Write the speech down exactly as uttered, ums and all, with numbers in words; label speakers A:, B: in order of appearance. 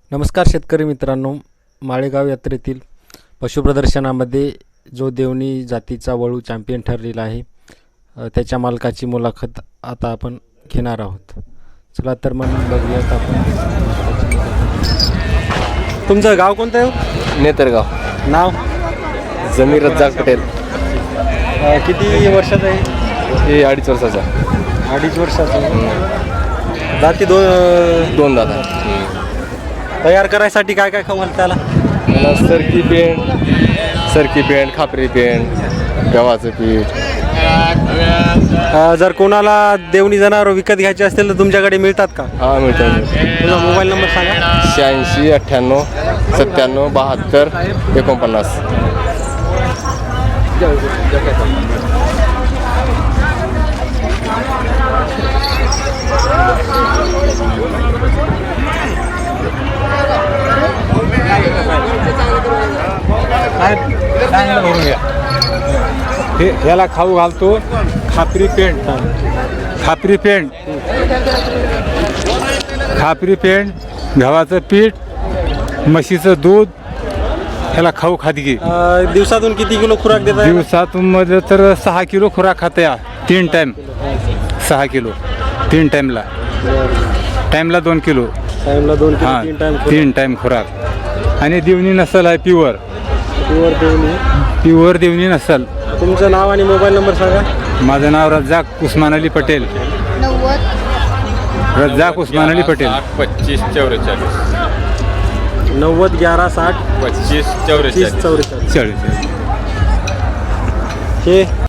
A: नमस्कार शेतकरी मित्रांनो, माळेगाव यात्रेतील पशुप्रदर्शनामध्ये जो देवणी जातीचा वळू चॅम्पियन ठरलेला आहे त्याच्या मालकाची मुलाखत आता आपण घेणार आहोत. चला तर मग बघूयात आपण. तुमचं गाव कोणतं आहे?
B: नेतरगाव.
A: नाव?
B: जमीर रज्जाक पटेल.
A: किती वर्षाचं आहे?
B: हे अडीच वर्षाचा.
A: अडीच वर्षाचं. जाती दोन
B: दोन दादा.
A: तयार करायसाठी काय काय खवल त्याला?
B: त्याला सरकी पेंट सरकी पेंट खापरी पेंट गव्हाचं पीठ.
A: जर कोणाला देवणी जनावर विकत घ्यायचे असतील तर तुमच्याकडे मिळतात का?
B: हा मिळतं.
A: तुझा मोबाईल नंबर सांगा.
B: शहाऐंशी अठ्ठ्याण्णव सत्त्याण्णव बहात्तर एकोणपन्नास.
C: हे ह्याला खाऊ घालतो खापरी पेंट. खापरी पेंट खापरी पेंट गव्हाचं पीठ म्हशीचं दूध ह्याला खाऊ खादगी.
A: दिवसातून किती किलो खुराक देता?
C: दिवसातून मध्ये तर सहा किलो खुराक खाते या तीन टाईम. सहा किलो तीन टाईमला. टाईमला दोन किलो.
A: टाइमला दोन किलो
C: हां
A: तीन टाइम
C: तीन टाईम खुराक. आणि देवणी नसल आहे pure.
A: Pure Deoni.
C: Pure Deoni नसल.
A: तुमचं नाव आणि मोबाईल नंबर सांगा.
C: माझं नाव रज्जाक उस्मान अली पटेल. रज्जाक उस्मान अली पटेल.
D: पच्चीस चौवेचाळीस
A: नव्वद ग्यारा साठ
D: पच्चीस
A: तीस
D: चौवेचाळीस
A: चौवेचाळीस.
C: चाळीस.
A: हे